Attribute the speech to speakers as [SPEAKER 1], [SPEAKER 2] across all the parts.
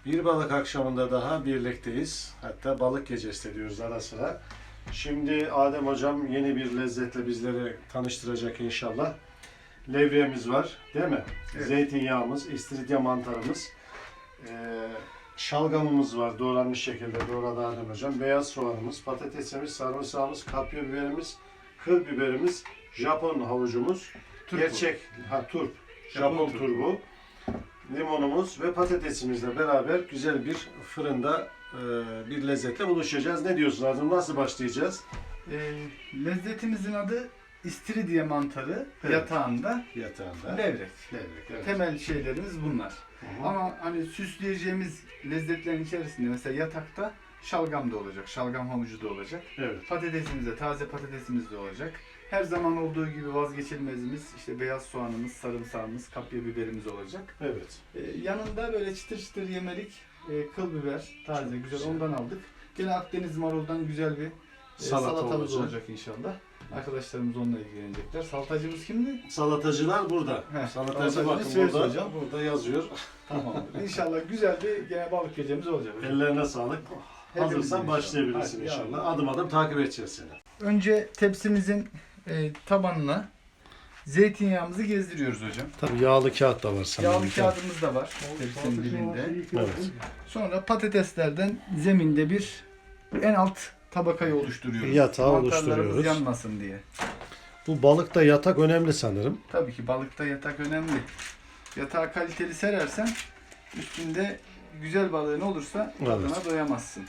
[SPEAKER 1] Bir balık akşamında daha birlikteyiz. Hatta balık gecesi de diyoruz ara sıra. Şimdi Adem Hocam yeni bir lezzetle bizleri tanıştıracak inşallah. Levreğimiz var, değil mi?
[SPEAKER 2] Evet.
[SPEAKER 1] Zeytinyağımız, istiridye mantarımız, şalgamımız var doğranmış şekilde doğradı Adem Hocam. Beyaz soğanımız, patatesimiz, sarımsağımız, kapya biberimiz, kıl biberimiz, Japon havucumuz, turp, Japon
[SPEAKER 2] turp.
[SPEAKER 1] turbu, limonumuz ve patatesimizle beraber güzel bir fırında bir lezzetle buluşacağız. Ne diyorsun Adem? Nasıl başlayacağız?
[SPEAKER 2] Lezzetimizin adı istiridye mantarı,
[SPEAKER 1] Evet.
[SPEAKER 2] Yatağında
[SPEAKER 1] Yatağında.
[SPEAKER 2] levrek.
[SPEAKER 1] Levrek, evet.
[SPEAKER 2] Temel şeylerimiz bunlar.
[SPEAKER 1] Hı hı.
[SPEAKER 2] Ama hani süsleyeceğimiz lezzetlerin içerisinde mesela yatakta şalgam da olacak, şalgam havucu da olacak.
[SPEAKER 1] Evet.
[SPEAKER 2] Patatesimiz de, taze patatesimiz de olacak. Her zaman olduğu gibi vazgeçilmezimiz işte beyaz soğanımız, sarımsağımız, kapya biberimiz olacak.
[SPEAKER 1] Evet.
[SPEAKER 2] Yanında böyle çıtır çıtır yemelik kıl biber, taze,
[SPEAKER 1] Çok
[SPEAKER 2] güzel,
[SPEAKER 1] güzel.
[SPEAKER 2] ondan aldık. Gene Akdeniz maruldan güzel bir salatamız olacak inşallah. Arkadaşlarımız onunla ilgilenecekler. Salatacımız kimdi?
[SPEAKER 1] Salatacılar burada.
[SPEAKER 2] Heh,
[SPEAKER 1] Salatacı
[SPEAKER 2] salatacı
[SPEAKER 1] bakın
[SPEAKER 2] Söz
[SPEAKER 1] burada.
[SPEAKER 2] hocam.
[SPEAKER 1] Burada yazıyor.
[SPEAKER 2] Tamamdır. İnşallah güzel bir gene balık gecemiz olacak.
[SPEAKER 1] Ellerine sağlık.
[SPEAKER 2] Hepimizin
[SPEAKER 1] Hazırsan
[SPEAKER 2] inşallah.
[SPEAKER 1] başlayabilirsin
[SPEAKER 2] Hadi,
[SPEAKER 1] inşallah.
[SPEAKER 2] yavrum.
[SPEAKER 1] Adım adım takip edeceğiz seni.
[SPEAKER 2] Önce tepsimizin tabanına zeytinyağımızı gezdiriyoruz hocam.
[SPEAKER 1] Tabii yağlı kağıt da var sanırım.
[SPEAKER 2] Yağlı kağıdımız da var tepsinin dibinde.
[SPEAKER 1] Evet.
[SPEAKER 2] Sonra patateslerden zeminde bir en alt tabakayı oluşturuyoruz.
[SPEAKER 1] Yatağı
[SPEAKER 2] Mantarlarımız
[SPEAKER 1] oluşturuyoruz.
[SPEAKER 2] yanmasın diye.
[SPEAKER 1] Bu balıkta yatak önemli sanırım.
[SPEAKER 2] Tabii ki balıkta yatak önemli. Yatağı kaliteli serersen üstünde güzel balığın olursa
[SPEAKER 1] Evet.
[SPEAKER 2] tadına doyamazsın.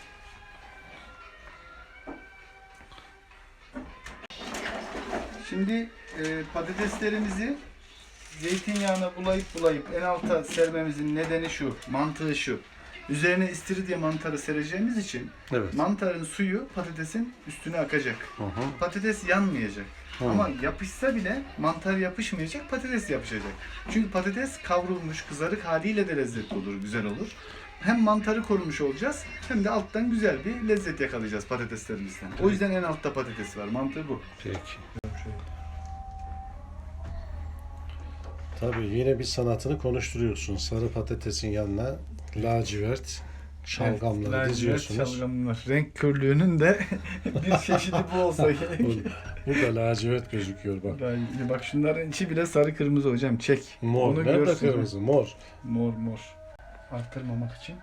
[SPEAKER 2] Şimdi patateslerimizi zeytinyağına bulayıp en alta sermemizin nedeni şu, mantığı şu. Üzerine istiridye mantarı sereceğimiz için
[SPEAKER 1] Evet.
[SPEAKER 2] mantarın suyu patatesin üstüne akacak.
[SPEAKER 1] Hı hı.
[SPEAKER 2] Patates yanmayacak.
[SPEAKER 1] Hı.
[SPEAKER 2] Ama yapışsa bile mantar yapışmayacak, patates yapışacak. Çünkü patates kavrulmuş, kızarık haliyle de lezzetli olur, güzel olur. Hem mantarı korumuş olacağız, hem de alttan güzel bir lezzet yakalayacağız patateslerimizden. O yüzden en altta patates var, mantığı bu.
[SPEAKER 1] Peki. Tabii yine bir sanatını konuşturuyorsun. Sarı patatesin yanına lacivert şalgamları
[SPEAKER 2] Evet,
[SPEAKER 1] diziyorsunuz.
[SPEAKER 2] şalgamlar. Renk körlüğünün de bir çeşidi bu olsa gerek.
[SPEAKER 1] Bu da lacivert gözüküyor bak.
[SPEAKER 2] Bak şunların içi bile sarı kırmızı hocam, çek.
[SPEAKER 1] Mor.
[SPEAKER 2] Onu
[SPEAKER 1] Nerede
[SPEAKER 2] görsün.
[SPEAKER 1] kırmızı? Mor.
[SPEAKER 2] Mor. Arttırmamak için.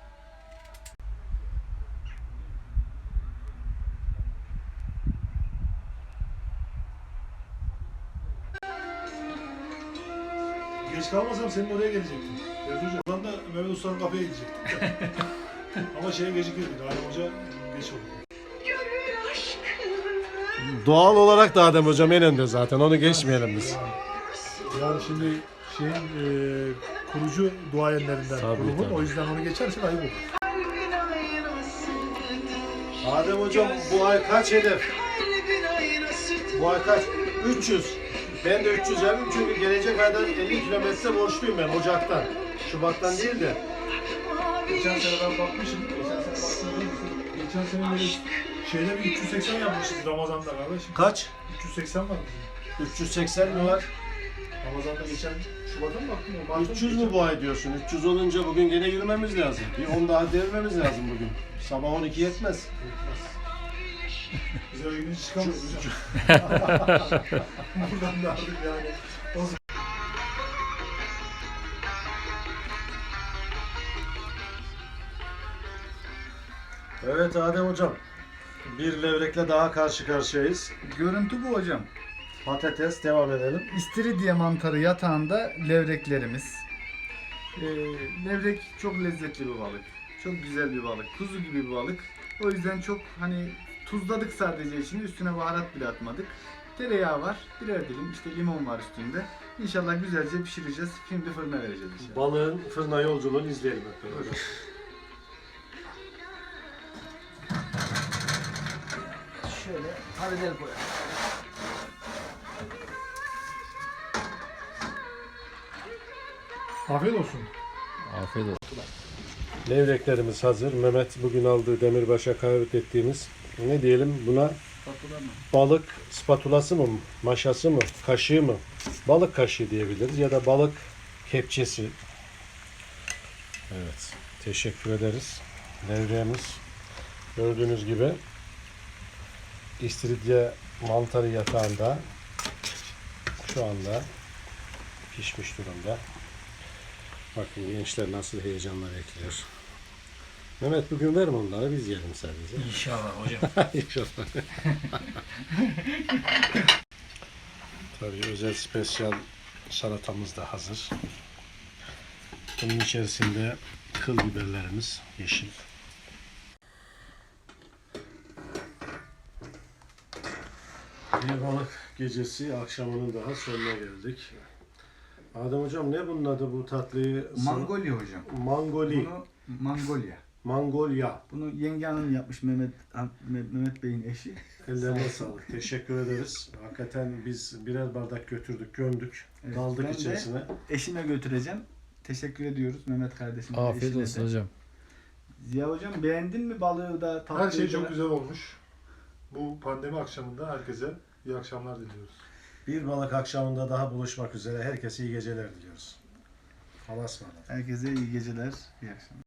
[SPEAKER 3] Geç kalmasam senin oraya gelecektim. Evet hocam. Oradan da Mehmet Usta'nın kafeye gidecektim. Ama şeye gecikirdik. Adem Hoca geç oldu.
[SPEAKER 1] Doğal olarak da Adem Hocam en önde zaten. Onu geçmeyelim biz.
[SPEAKER 3] Yani şimdi şeyin kurucu duayenlerinden
[SPEAKER 1] Tabii,
[SPEAKER 3] grubun.
[SPEAKER 1] tabii.
[SPEAKER 3] O yüzden onu geçersen ayıp olur.
[SPEAKER 1] Adem Hocam bu ay kaç hedef? Bu ay kaç? 300. Ben de 300 yapayım çünkü gelecek aydan 50 kilometre borçluyum ben Ocak'tan. Şubat'tan değil de.
[SPEAKER 3] Geçen sene ben bakmışım. Geçen sene böyle şeyde bir 380 yapmışız Ramazan'da kardeşim.
[SPEAKER 1] Kaç?
[SPEAKER 3] 380 var.
[SPEAKER 1] 380 mi var?
[SPEAKER 3] Ramazan'da geçen Şubat'a mı baktın? Mart'ta
[SPEAKER 1] 300
[SPEAKER 3] geçen?
[SPEAKER 1] mü bu ay diyorsun? 300 olunca bugün gene yürümemiz lazım. Bir 10 daha devirmemiz lazım bugün. Sabah 12 yetmez.
[SPEAKER 3] Biz öyle gidince çıkamayız hocam. Buradan da artık yani.
[SPEAKER 1] Evet Adem Hocam. Bir levrekle daha karşı karşıyayız.
[SPEAKER 2] Görüntü bu hocam.
[SPEAKER 1] Patates devam edelim.
[SPEAKER 2] İstiridye mantarı yatağında levreklerimiz. Levrek çok lezzetli bir balık. Çok güzel bir balık. Kuzu gibi bir balık. O yüzden çok hani tuzladık sadece içini. Üstüne baharat bile atmadık. Tereyağı var. Birer dilim işte limon var üstünde. İnşallah güzelce pişireceğiz. Şimdi fırına vereceğiz inşallah.
[SPEAKER 1] Balığın fırına yolculuğunu izleyelim hep beraber.
[SPEAKER 2] Şöyle karabiber koyalım.
[SPEAKER 3] Afiyet olsun.
[SPEAKER 4] Afiyet olsun.
[SPEAKER 1] Levreklerimiz hazır. Mehmet bugün aldığı demirbaşa kahvet ettiğimiz ne diyelim buna
[SPEAKER 2] Spatula mı?
[SPEAKER 1] balık spatulası mı, maşası mı, kaşığı mı? Balık kaşığı diyebiliriz ya da balık kepçesi. Evet. teşekkür ederiz. Levriyemiz gördüğünüz gibi istiridye mantarı yatağında şu anda pişmiş durumda. Bakın gençler nasıl heyecanla bekliyor. Mehmet bugün ver onları, biz yiyelim sadece.
[SPEAKER 4] İnşallah hocam.
[SPEAKER 1] İnşallah. Tabii özel spesyal salatamız da hazır. Bunun içerisinde kıl biberlerimiz yeşil. Bir balık gecesi akşamının daha sonuna geldik. Adem hocam ne bunun adı bu tatlıyı?
[SPEAKER 2] Mangolya hocam.
[SPEAKER 1] Mangoli.
[SPEAKER 2] Bunu Mangolya.
[SPEAKER 1] Mangolya.
[SPEAKER 2] Bunu yenge hanım yapmış, Mehmet Bey'in eşi.
[SPEAKER 1] Ellerine sağlık. Teşekkür ederiz. Hakikaten biz birer bardak götürdük, gömdük.
[SPEAKER 2] Evet,
[SPEAKER 1] Daldık
[SPEAKER 2] ben de
[SPEAKER 1] içerisine.
[SPEAKER 2] Eşime götüreceğim. Teşekkür ediyoruz Mehmet kardeşime.
[SPEAKER 4] Afiyet
[SPEAKER 2] eşine
[SPEAKER 4] olsun
[SPEAKER 2] de.
[SPEAKER 4] hocam.
[SPEAKER 2] Ziya hocam beğendin mi balığı da tatlıyı
[SPEAKER 3] Her şey
[SPEAKER 2] da?
[SPEAKER 3] çok güzel olmuş. Bu pandemi akşamında herkese iyi akşamlar diliyoruz.
[SPEAKER 1] Bir balık akşamında daha buluşmak üzere. Herkese iyi geceler diliyoruz. Allah'a ısmarladık.
[SPEAKER 2] Herkese iyi geceler, iyi akşamlar.